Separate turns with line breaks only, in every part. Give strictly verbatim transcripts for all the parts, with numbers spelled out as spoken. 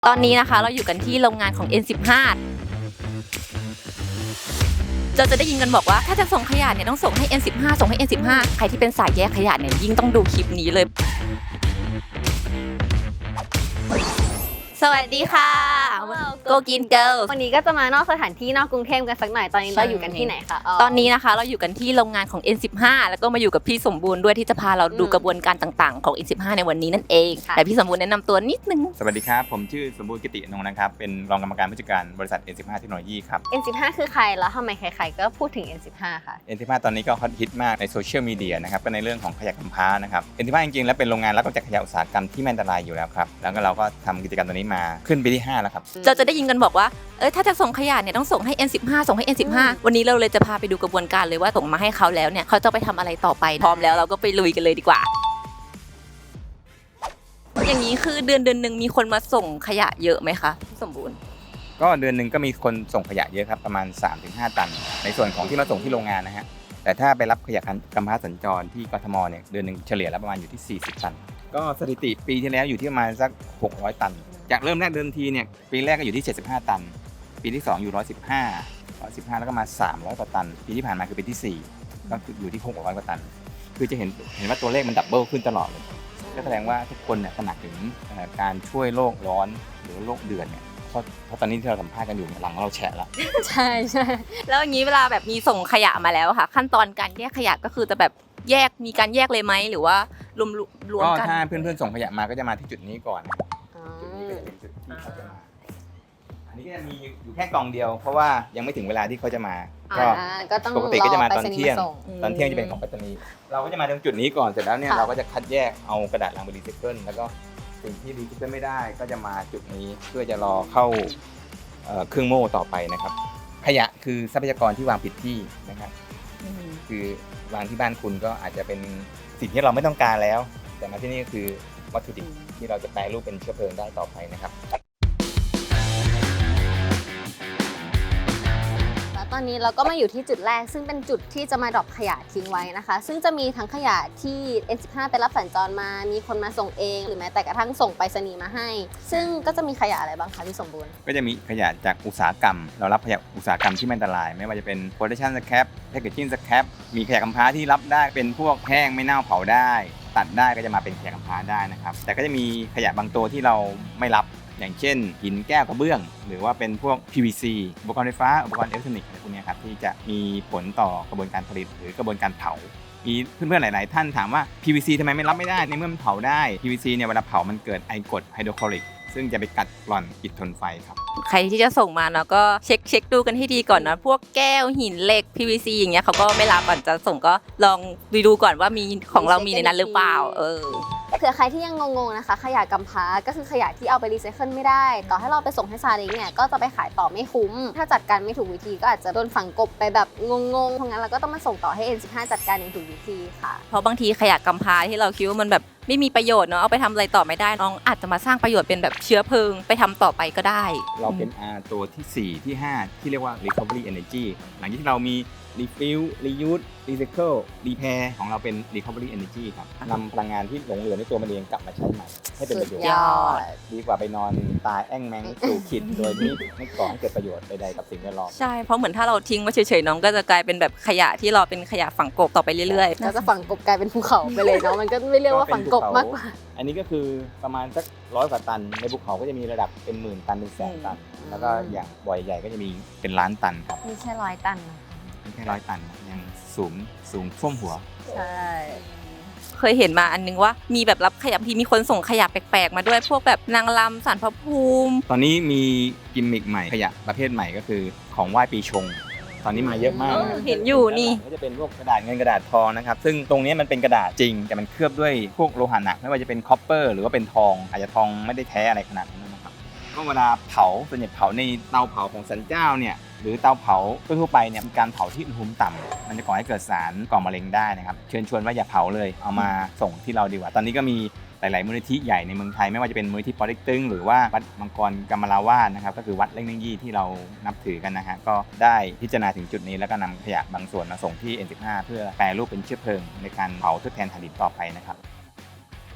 ตอนนี้นะคะเราอยู่กันที่โรงงานของ เอ็น สิบห้า เราจะได้ยินกันบอกว่าถ้าจะส่งขยะเนี่ยต้องส่งให้ เอ็น สิบห้า ส่งให้ เอ็น สิบห้า ใครที่เป็นสายแยกขยะเนี่ยยิ่งต้องดูคลิปนี้เลยสวัสดีค่ะ Go Green Girls
วันนี้ก็จะมานอกสถานที่นอกกรุงเทพกันสักหน่อยตอนนี้เราอยู่กันที่ไหนคะ
ตอนนี้นะคะเราอยู่กันที่โรงงานของ เอ็น สิบห้า แล้วก็มาอยู่กับพี่สมบูรณ์ด้วยที่จะพาเราดูกระบวนการต่างๆของ เอ็น สิบห้า ในวันนี้นั่นเองแต่พี่สมบูรณ์แนะนำตัวนิดนึง
สวัสดีครับผมชื่อสมบูรณ์กิติอนงค์นะครับเป็นรองกรรมการผู้จัดการบริษัท เอ็น สิบห้า เทคโนโลยีครับ
เอ็น สิบห้า คือใครแล้วทำไมใครๆก็พูดถึง เอ็น สิบห้า ค่ะ
เอ็น สิบห้า ตอนนี้ก็ฮอตฮิตมากในโซเชียลมีเดียนะครับก็ในเรื่องของขยะกำพร้านะครับ เอ็น สิบห้า จริงๆแล้วเป็นโรงงานรับจากขยะอุตสาหกรรมที่ไม่อันตรายอยู่แล้วครับแล้วก็เราก็ทำกิจกรรมตัวนี้มาขึ้นปีที่ห้าแล้วครับ
เราจะได้ยินกันบอกว่าเออถ้าจะส่งขยะเนี่ยต้องส่งให้ เอ็น สิบห้า ส่งให้ เอ็น สิบห้า วันนี้เราเลยจะพาไปดูกระบวนการเลยว่าส่งมาให้เขาแล้วเนี่ยเขาจะไปทำอะไรต่อไปพร้อมแล้วเราก็ไปลุยกันเลยดีกว่าอย่างนี้คือเดือนเดือนหนึ่งมีคนมาส่งขยะเยอะไหมคะสมบูรณ์
ก็เดือนหนึ่งก็มีคนส่งขยะเยอะครับประมาณ สามถึงห้า ตันในส่วนของที่มาส่งที่โรงงานนะฮะแต่ถ้าไปรับขยะกำพร้าสัญจรที่กทมเนี่ยเดือนหนึ่งเฉลี่ยแล้วประมาณอยู่ที่สี่สิบตันก็สถิติปีที่แล้วอยู่ที่ประมาณสักหกร้อยตันจากเริ่มแรกเดิมทีเนี่ยปีแรกก็อยู่ที่เจ็ดสิบห้าตันปีที่สองอยู่หนึ่งร้อยสิบห้า หนึ่งร้อยสิบห้าแล้วก็มาสามร้อยกว่าตันปีที่ผ่านมาคือปีที่สี่ก็อยู่ที่หกร้อยกว่าตันคือจะเห็นเห็นว่าตัวเลขมันดับเบิลขึ้นตลอดเลยก็แสดงว่าทุกคนเนี่ยตระหนักถึงการช่วยโลกร้อนหรือโลกเดือดเนี่ยเพราะเพราะตอนนี้ที่เราสัมภาษณ์กันอยู่หลังเราแฉะแล้ว
ใช่ใช่
แล้วอย่างนี้เวลาแบบมีส่งขยะมาแล้วค่ะขั้นตอนการแยกขยะก็คือจะแบบแยกมีการแยกเลยไหมหรือว่ารวมรวมกัน
ก็ถ้าเพื่อนๆส่งขยะมาก็จะมาที่จุดนี้ก่อนจุดนี้ก็จะเป็นจุดที่เขาจะมาอันนี้ก็จะมีอยู่แค่กล่องเดียวเพราะว่ายังไม่ถึงเวลาที่เขาจะมาก็ปกติก็จะมาตอนเที่ยงตอนเที่ยงจะเป็นของไปรษณีย์เราก็จะมาตรงจุดนี้ก่อนเสร็จแล้วเนี่ยเราก็จะคัดแยกเอากระดาษลังไปรีไซเคิลแล้วก็สิ่งที่รีไซเคิลไม่ได้ก็จะมาจุดนี้เพื่อจะรอเข้าเครื่องโม่ต่อไปนะครับขยะคือทรัพยากรที่วางผิดที่นะครับคือวางที่บ้านคุณก็อาจจะเป็นสิ่งที่เราไม่ต้องการแล้วแต่มาที่นี่ก็คือวัตถุดิบที่เราจะแปรรูปเป็นเชื้อเพลิงได้ต่อไปนะครับ
ตอนนี้เราก็มาอยู่ที่จุดแรกซึ่งเป็นจุดที่จะมาดรอปขยะทิ้งไว้นะคะซึ่งจะมีทั้งขยะที่ เอ็น สิบห้า ไปรับสัญจรมามีคนมาส่งเองหรือแม้แต่กระทั่งส่งไปรษณีย์มาให้ซึ่งก็จะมีขยะอะไรบ้างคะพี่สมบูรณ์
ก็จะมีขยะจากอุตสาหกรรมเรารับขยะอุตสาหกรรมที่ไม่อันตรายไม่ว่าจะเป็น production scrap packaging scrap มีขยะกำพร้าที่รับได้เป็นพวกแห้งไม่เน่าเผาได้ตัดได้ก็จะมาเป็นขยะกำพร้าได้นะครับแต่ก็จะมีขยะบางตัวที่เราไม่รับอย่างเช่นหินแก้วกระเบื้องหรือว่าเป็นพวก พี วี ซี อุปกรณ์ไฟฟ้าอุปกรณ์อิเล็กทรอนิกส์อะไรพวกนี้ครับที่จะมีผลต่อกระบวนการผลิตหรือกระบวนการเผามีเพื่อนๆหลายๆท่านถามว่า พี วี ซี ทำไมไม่รับไม่ได้ในเมื่อมันเผาได้ พี วี ซี เนี่ยเวลาเผามันเกิดไอกรดไฮโดรคลอริกซึ่งจะไปกัดกร่อนอิฐทนไฟครับ
ใครที่จะส่งมาเนาะก็เช็คเช็คดูกันให้ดีก่อนนะพวกแก้วหินเหล็ก พี วี ซี อย่างเงี้ยเขาก็ไม่รับก่อนจะส่งก็ลองดูดูก่อนว่ามีของเรามีในนั้นหรือเปล่าเออ
เผื่อใครที่ยังงงๆนะคะขยะกำพร้าก็คือขยะที่เอาไปรีไซเคิลไม่ได้ต่อให้เราไปส่งให้ซาเล้งเนี่ยก็จะไปขายต่อไม่คุ้มถ้าจัดการไม่ถูกวิธีก็อาจจะโดนฝังกลบไปแบบงงๆเพราะงั้นเราก็ต้องมาส่งต่อให้ เอ็น สิบห้า จัดการอย่างถูกวิธีค่ะ
เพราะบางทีขยะกำพร้าที่เราคิดว่ามันแบบไม่มีประโยชน์เนาะเอาไปทำอะไรต่อไม่ได้น้องอาจจะมาสร้างประโยชน์เป็นแบบเชื้อเพลิงไปทำต่อไปก็ได้
เราเป็น R ตัวที่สี่ที่ห้าที่เรียกว่า recovery energy หลังจากที่เรามี refill reuse recycle repair ของเราเป็น recovery energy ครับนำพลังงานที่หลงเหลือในตัวมันเองกลับมาใช้ใหม่ให้เป็นประโยชน์ดีกว่าไปนอนตายแอ่งแมงสู่ขิดโดยที่ไม่ก่อให้เกิดประโยชน์ใดๆกับสิ่งแวดล้อม
ใช่เพราะเหมือนถ้าเราทิ้งไว้เฉยๆน้องก็จะกลายเป็นแบบขยะที่เราเป็นขยะฝังกลบต่อไปเรื่อย
ๆก็จะฝังกลบกลายเป็นภูเขาไปเลยเนาะมันก็ไม่เรียกว่าฝังกลบมากกว่า
อันนี้ก็คือประมาณสักร้อยกว่าตันในภูเขาก็จะมีระดับเป็นหมื่นตันเป็นแสนตันแล้วก็อย่างบ่อยใหญ่ก็จะมีเป็นล้านตันครับ
ไม่ใช่ร้อยตัน
ไม่ใช่ร้อยตันยังสูงสูงท่วมหัว
ใช่
เคยเห็นมาอันนึงว่ามีแบบรับขยะที่มีคนส่งขยะแปลกๆมาด้วยพวกแบบนางรำศาลพระภูมิ
ตอนนี้มีกิมมิคใหม่ขยะประเภทใหม่ก็คือของไหว้ปีชงตอนนี้มาเยอะมาก
เห็นอยู่นี่
ก็จะเป็นพวกกระดาษเงินกระดาษทองนะครับซึ่งตรงนี้มันเป็นกระดาษจริงแต่มันเคลือบด้วยพวกโลหะหนักไม่ว่าจะเป็นคอปเปอร์หรือว่าเป็นทองอาจจะทองไม่ได้แท้อะไรขนาดนั้นนะครับก็เวลาเผาส่วนใหญ่เผาในเตาเผาของสันเจ้าเนี่ยหรือเตาเผาทั่วไปเนี่ยมีการเผาที่อุณหภูมิต่ำมันจะก่อให้เกิดสารก่อมะเร็งได้นะครับเชิญชวนว่าอย่าเผาเลยเอามาส่งที่เราดีกว่าตอนนี้ก็มีหลายๆมูลนิธิใหญ่ในเมืองไทยไม่ว่าจะเป็นมูลนิธิปอเต็กตึงหรือว่าวัดมังกรกำมะลาวาสนะครับก็คือวัดเล่งเน่งยี่ที่เรานับถือกันนะฮะก็ได้พิจารณาถึงจุดนี้แล้วก็นำขยะบางส่วนมาส่งที่ เอ็น สิบห้า เพื่อแปรรูปเป็นเชื้อเพลิงในการเผาทดแทนถ่านหินต่อไปนะครับ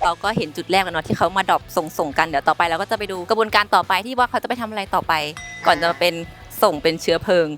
เราก็เห็นจุดแรกแล้วเนาะที่เขามาดรอปส่งส่งกันเดี๋ยวต่อไปเราก็จะไปดูกระบวนการต่อไปที่ว่าเขาจะไปทำอะไรต่อไป ก่อนจะมาเป็นส่งเป็นเชื้อเพลิง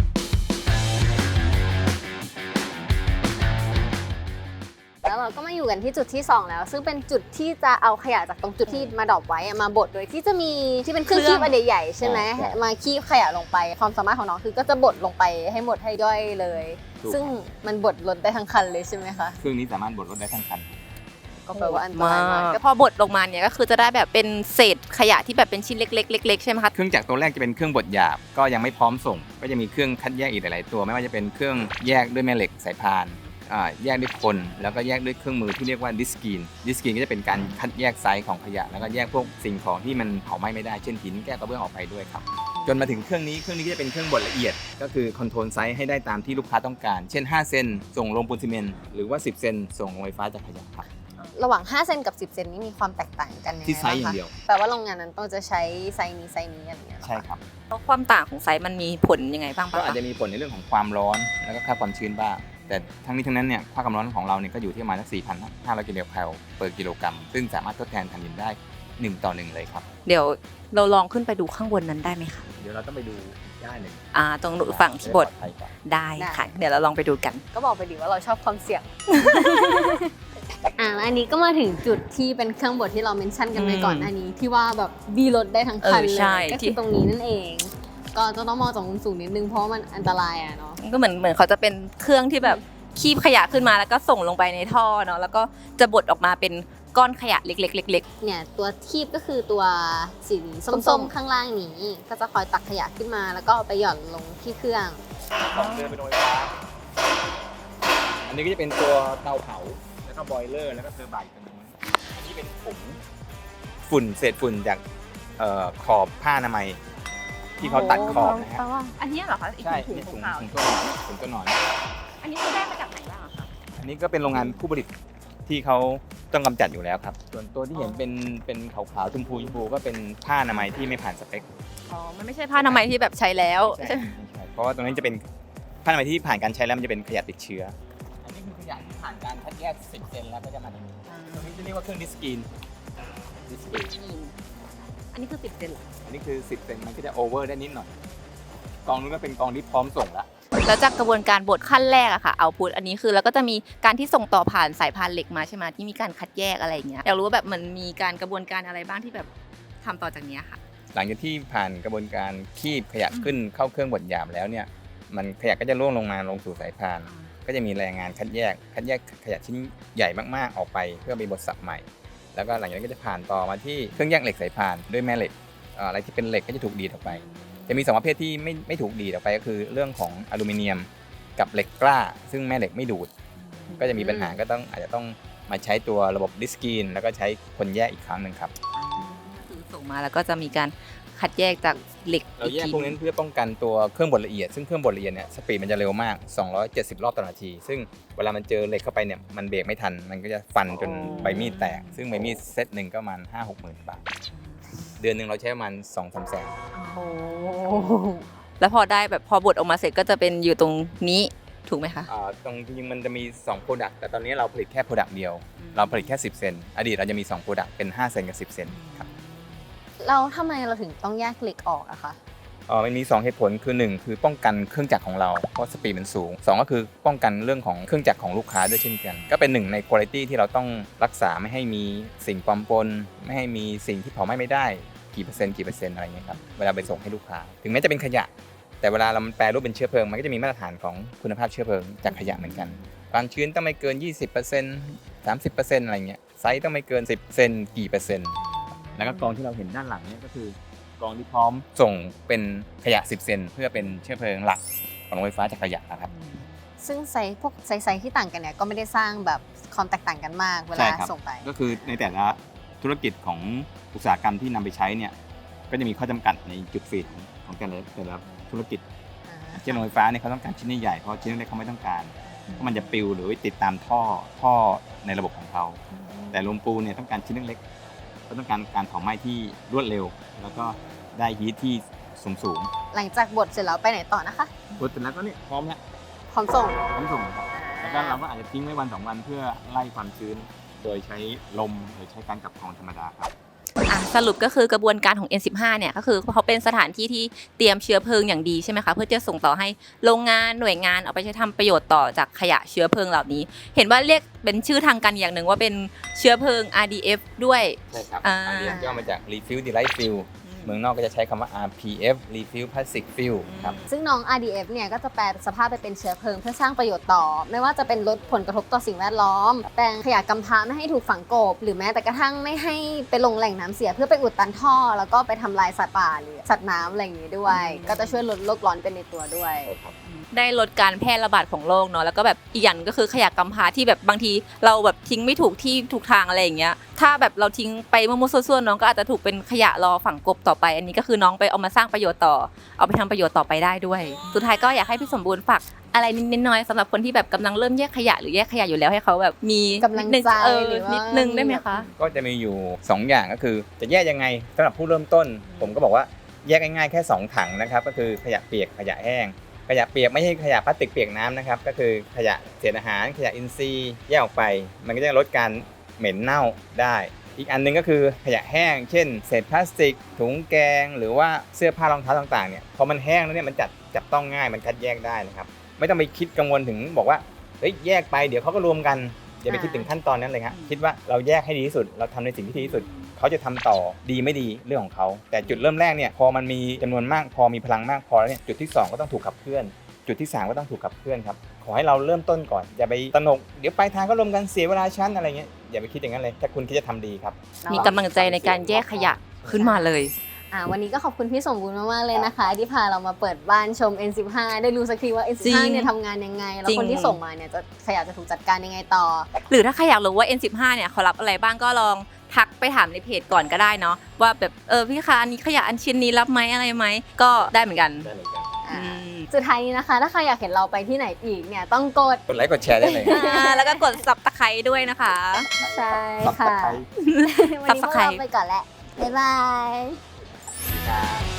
แล้วเราก็มาอยู่กันที่จุดที่สองแล้ว ซึ่งเป็นจุดที่จะเอาขยะจากตรงจุดที่มาดรอปไว้อะมาบดโดยที่จะมีที่เป็นเครื่องคีบอันใหญ่ๆใช่ไหมมาคีบขยะลงไปความสามารถของน้องคือก็จะบดลงไปให้หมดให้ย่อยเลย ซึ่งมันบดลดได้ทั้งคันเลยใช่ไหมคะ
เครื่องนี้สามารถบดลดได้ทั้งคัน
ก็แปลว่าอันตรายมาก
ก็พอบดลงมาเนี่ยก็คือจะได้แบบเป็นเศษขยะที่แบบเป็นชิ้นเล็กๆเล็กๆใช่ไหมคะ
เครื่องจักรตัวแรกจะเป็นเครื่องบดหยาบก็ยังไม่พร้อมส่งก็จะมีเครื่องคัดแยกอีกหลายๆตัวไม่ว่าจะเป็นเครื่องแยกด้วยแม่เหล็กสายพานแยกด้วยคนแล้วก็แยกด้วยเครื่องมือที่เรียกว่าดิสกีนดิสกีนก็จะเป็นการคัดแยกไซส์ของขยะแล้วก็แยกพวกสิ่งของที่มันเผาไหม้ไม่ได้เช่นหินแก้วกระเบื้องออกไปด้วยครับจนมาถึงเครื่องนี้เครื่องนี้ก็จะเป็นเครื่องบดละเอียดก็คือคอนโทรลไซส์ให้ได้ตามที่ลูกค้าต้องการเช่นห้าเซนส่งลงปูนซีเมนต์หรือว่าสิบเซนส่งลงไฟฟ้าจากขยะครับ
ระหว่างห้าเซนกับสิบเซนนี้มีความแตกต่างกันยังไง
ที่ไซส์อย่างเดียว
แปลว่าโรงงานนั้นต้องจะใช้ไซส์นี้ไซส์นี้อะไรอย่างเงี้ย
ใช่ครับ
แล้วความต่างของไซส์มันมีผลยังไงบ้างปะ
ก็อาจจะมีผลในเรื่องของความร้อนแล้วก็ค่าความชื้นบ้างแต่ทั้งนี้ทั้งนั้นเนี่ยค่าความร้อนของเราเนี่ยก็อยู่ที่ประมาณสัก สี่พันห้าร้อย กิโลแคลเปอร์กิโลกรัมซึ่งสามารถทดแทนถ่านหินได้หนึ่งต่อหนึ่งเลยครับ
เดี๋ยวเราลองขึ้นไปดูข้างบนนั้นได้ไหมคะ
เดี๋ยวเราต้องไปดูได้หนึ่ง
อ่าตรงฝั่งที่บดได้ค่ะเดี๋ยวเราลองไปดูกัน
ก็บอกไปดิว่าเราชอบความเสี่ยงอ่าอันนี้ก็มาถึงจุดที่เป็นเครื่องบดที่เราเมนชั่นกันไปก่อนอันนี้ที่ว่าแบบดีรถได้ทั้งคันเลยก็คือตรงนี้นั่นเองก็จะต้องมองจากมุมสูงนิดนึงเพราะมันอันตรายอ่ะเนาะ
ก็เหมือนเหมือนเขาจะเป็นเครื่องที่แบบคีบขยะขึ้นมาแล้วก็ส่งลงไปในท่อเนาะแล้วก็จะบดออกมาเป็นก้อนขยะเล็กๆเล็ก
ๆเนี่ยตัวคีบก็คือตัวสีส้มๆข้างล่างนี้ก็จะคอยตักขยะขึ้นมาแล้วก็ไปหย่อนลงที่เครื่อง
ต้องเดินไปโดยฟ้าอันนี้ก็จะเป็นตัวเตาเผาแล้วก็บอยเลอร์แล้วก็เทอร์ไบน์ตรงนี้อันนี้เป็นผงฝุ่นเศษฝุ่นจากขอบผ้าอนามัยที่เขาตัดขอบนะฮะ
อันนี้เหรอคะ
ใช่ถุงถุงถุงตัวถุงตัวหนอน
อันนี้คือได้มาจากไหนบ้างคะ
อันนี้ก็เป็นโรงงานผู้ผลิตที่เขาต้องกำจัดอยู่แล้วครับส่วนตัวที่เห็นเป็นเป็นขาวๆชมพูชมพูก็เป็นผ้าอนามัยที่ไม่ผ่านสเปค
อ๋อมันไม่ใช่ผ้าอนามัยที่แบบใช้แล้ว
ใช่ใช่เพราะว่าตรงนี้จะเป็นผ้าอนามัยที่ผ่านการใช้แล้วมันจะเป็นขยะติดเชื้ออันนี้คือขยะที่ผ่านการคัดแยกสิบเซนแล้วก็จะมาตรงนี้ตรงนี้จะเรียกว่าเครื่องดิสกีนดิสกีน
อันนี้คือสิบเซนเหรอ
อันนี้คือสิบเซนมันก็จะโอเวอร์ได้นิดหน่อยกองนู้นก็เป็นกองที่พร้อมส่งแล้ว
แล้วจากกระบวนการบดขั้นแรกอะค่ะเอาพุทอันนี้คือแล้วก็จะมีการที่ส่งต่อผ่านสายพานเหล็กมาใช่ไหมที่มีการคัดแยกอะไรอย่างเงี้ยอยากรู้ว่าแบบมันมีการกระบวนการอะไรบ้างที่แบบทำต่อจากนี้ค่ะ
หลังจากที่ผ่านกระบวนการคีบขยะขึ้นเข้าเครื่องบดหยาบแล้วเนี่ยมันขยะก็จะร่วงลงมาลงสู่สายพานก็จะมีแรงงานคัดแยกคัดแยกขยะชิ้นใหญ่มากๆออกไปเพื่อไปบดสับใหม่แล้วก็หลังจากนั้นก็จะผ่านต่อมาที่เครื่องแยกเหล็กสายพานด้วยแม่เหล็กอะไรที่เป็นเหล็กก็จะถูกดีดออกไปจะมีสองประเภทที่ไม่ไม่ถูกดีดออกไปก็คือเรื่องของอลูมิเนียมกับเหล็กกล้าซึ่งแม่เหล็กไม่ดูดก็จะมีปัญหาก็ต้องอาจจะต้องมาใช้ตัวระบบดิสกีนแล้วก็ใช้คนแยกอีกครั้งหนึ่งครับ
คือส่งมาแล้วก็จะมีการคัดแยกจากเหล็ก
เราแยกพวกนั้นเพื่อป้องกันตัวเครื่องบดละเอียดซึ่งเครื่องบดละเอียดเนี่ยสปีดมันจะเร็วมากสองร้อยเจ็ดสิบรอบต่อนาทีซึ่งเวลามันเจอเหล็กเข้าไปเนี่ยมันเบรกไม่ทันมันก็จะฟันจนใบมีดแตกซึ่งใบมีดเซตหนึ่งก็ประมาณ ห้าหกหมื่น บาทเดือนนึงเราใช้ประมาณ สองถึงสาม แสน
โอ้แล้วพอได้แบบพอบดออกมาเสร็จก็จะเป็นอยู่ตรงนี้ถูกไหมคะ
อ่าตรงจริงๆมันจะมีสอง product แต่ตอนนี้เราผลิตแค่ product เดียวเราผลิตแค่สิบเซนอดีตเราจะมีสอง product เป็นห้าเซนกับสิบเซนครับ
เราทำไมเราถึงต้องแยกเหล็กออกอะคะ
อ๋อมันมีสองเหตุผลคือหนึ่งคือป้องกันเครื่องจักรของเราเพราะสปีดมันสูงสองก็คือป้องกันเรื่องของเครื่องจักรของลูกค้าด้วยเช่นกันก็เป็นหนึ่งในคุณภาพที่เราต้องรักษาไม่ให้มีสิ่งปลอมปนไม่ให้มีสิ่งที่เผาไหม้ไม่ได้กี่เปอร์เซ็นต์กี่เปอร์เซ็นต์อะไรเงี้ยครับเวลาไปส่งให้ลูกค้าถึงแม้จะเป็นขยะแต่เวลาเราแปรรูปเป็นเชื้อเพลิงมันก็จะมีมาตรฐานของคุณภาพเชื้อเพลิงจากขยะเหมือนกันความชื้นต้องไม่เกิน ยี่สิบเปอร์เซ็นต์ สามสิบเปอร์เซ็นต์ อะไรเงี้ยไซส์ต้องไม่เกินสิบเซนกี่เปอร์เซ็นต์แล้วก็กองที่เราเห็นด้านหลังเนี่ยก็คือกองที่พร้อมส่งเป็นขยะสิบเซนเพื่อเป็นเชื้อเพลิงหลักของโรงไฟฟ้าจากขยะนะครับ
ซึ่งไซส์พวกไซส์ที่ต่างกันเนี่ยก็ไม่ได้สร้างแบบความแตกต่างกันมากเวลาส่งไป
ก็คือในแต่ละธุรกิจของอุตสาหกรรมที่นำไปใช้เนี่ยก็จะมีข้อจำกัดในจุดฟีดของแต่ละแต่ละธุรกิจเช่นโรงไฟฟ้าเนี่ยเขาต้องการชิ้นใหญ่เพราะชิ้นเล็กเขาไม่ต้องการเพราะมันจะปลิวหรือติดตามท่อท่อในระบบของเขาแต่โรงปูนเนี่ยต้องการชิ้นเล็กๆก็ต้องการการเผาไหม้ที่รวดเร็วแล้วก็ได้ฮีทที่สูงสูง
หลังจากบดเสร็จแล้วไปไหนต่อนะคะ
บดเสร็จแล้วก็เนี่ยพร้อมแล้ว
พร้อมส่ง
พร้อมส่งแล้วก็เราก็อาจจะทิ้งไว้วันสองวันเพื่อไล่ความชื้นโดยใช้ลมหรือใช้การกลับกรองธรรมดาครับ
อ่ะสรุปก็คือกระบวนการของ เอ็น สิบห้า เนี่ยก็คือเขาเป็นสถานที่ที่เตรียมเชื้อเพลิงอย่างดีใช่ไหมคะเพื่อจะส่งต่อให้โรงงานหน่วยงานเอาไปใช้ทำประโยชน์ต่อจากขยะเชื้อเพลิงเหล่านี้ เห็นว่าเรียกเป็นชื่อทางการอย่างหนึ่งว่าเป็นเชื้อเพลิง อาร์ ดี เอฟ ด้วย
ใช่ครับ
อ่า
อันนี้ย่อมาจาก Refill Delight Fill เมืองนอกก็จะใช้คำว่า อาร์ พี เอฟ Refill Plastic Fill ครับ
ซึ่งน้อง อาร์ ดี เอฟ เนี่ยก็จะแปลสภาพไปเป็นเชื้อเพลิงเพื่อสร้างประโยชน์ต่อ ไม่ว่าจะเป็นลดผลกระทบต่อสิ่งแวดล้อมแปลงขยะกำพร้าไม่ให้ถูกฝังกลบหรือแม้แต่กระทั่งไม่ให้ไปลงแหล่งน้ำเสียเพื่อไปอุดตันท่อ แล้วก็ไปทำลายสัตว์ป่าหรือสัตว์น้ำอะไรอย่างนี้ด้วย ก็จะช่วยลดโลกร้อนเป็นในตัวด้วย
ได้ลดการแพร่ระบาดของโรคเนาะแล้วก็แบบอีกอย่างก็คือขยะกำพร้าที่แบบบางทีเราแบบทิ้งไม่ถูกที่ถูกทางอะไรอย่างเงี้ยถ้าแบบเราทิ้งไปมั่วๆซั่วๆน้องก็อาจจะถูกเป็นขยะรอฝังกลบต่อไปอันนี้ก็คือน้องไปเอามาสร้างประโยชน์ต่อเอาไปทำประโยชน์ต่อไปได้ด้วยสุดท้ายก็อยากให้พี่สมบูรณ์ฝากอะไรนิดๆน้อยๆสำหรับคนที่แบบกำลังเริ่มแยกขยะหรือแยกขยะอยู่แล้วให้เขาแบบมี
กำลังใจ
เออ
หรือว่านิ
นิดนึงได้ไหมคะ
ก็จะมีอยู่สองอย่างก็คือจะแยกยังไงสำหรับผู้เริ่มต้น ผมก็บอกว่าแยกง่ายๆแค่สองถังนะครับก็คือขยะเปียกขยะแห้งขยะเปียกไม่ใช่ขยะพลาสติกเปียกน้ำนะครับก็คือขยะเศษอาหารขยะอินทรีย์แยกออกไป มันก็จะลดการเหม็นเน่าได้ อีกอันนึงก็คือขยะแห้งเช่นเศษพลาสติกถุงแกงหรือว่าเสื้อผ้ารองเท้าต่างๆเนี่ยพอมันแห้งแล้วเนี่ยมันจัดจับต้องง่ายมันคัดแยกได้นะครับไม่ต้องไปคิดกังวลถึงบอกว่าเฮ้ยแยกไปเดี๋ยวเขาก็รวมกันอย่าไปคิดถึงขั้นตอนนั้นเลยครับคิดว่าเราแยกให้ดีที่สุดเราทำในสิ่งที่ดีที่สุดเขาจะทำต่อดีไม่ดีเรื่องของเขาแต่จุดเริ่มแรกเนี่ยพอมันมีจำนวนมากพอมีพลังมากพอแล้วเนี่ยจุดที่สองก็ต้องถูกขับเคลื่อนจุดที่สามก็ต้องถูกขับเคลื่อนครับขอให้เราเริ่มต้นก่อนอย่าไปตระหนกเดี๋ยวปลายทางก็รวมกันเสียเวลาชั้นอะไรเงี้ยอย่าไปคิดอย่างนั้นเลยถ้าคุณคิดจะทำดีครับ
มีกำลังใจในการแยกขยะขึ้นมาเลย
อ่าวันนี้ก็ขอบคุณพี่สมบูรณ์มากๆเลยนะคะที่พาเรามาเปิดบ้านชม เอ็น สิบห้า ได้รู้สักทีว่า เอ็น สิบห้า เนี่ยทำงานยังไงแล้วคนที่ส่งมาเนี่ยจะขยะจะถูกจัดการยังไงต่อ
หรือถ้าใครอยากรู้ว่า เอ็น สิบห้า เนี่ยเขารับอะไรบ้างก็ลองทักไปถามในเพจก่อนก็ได้เนาะว่าแบบเออพี่คะอันนี้ขยะอันชิ้นนี้รับไหมอะไรไหมก็ได้เหมือนกัน
ได้เหมือนกัน
อ่าสุดท้ายนี้นะคะถ้าใครอยากเห็นเราไปที่ไหนอีกเนี่ยต้องกด
กดไลค์กดแชร์ได้เลย
แล้วก็กด ซับสไครบ์ ด้วยนะคะ
ใช่ค่ะวันนี้พวกเราไปก่อนแล้วบ๊ายบาย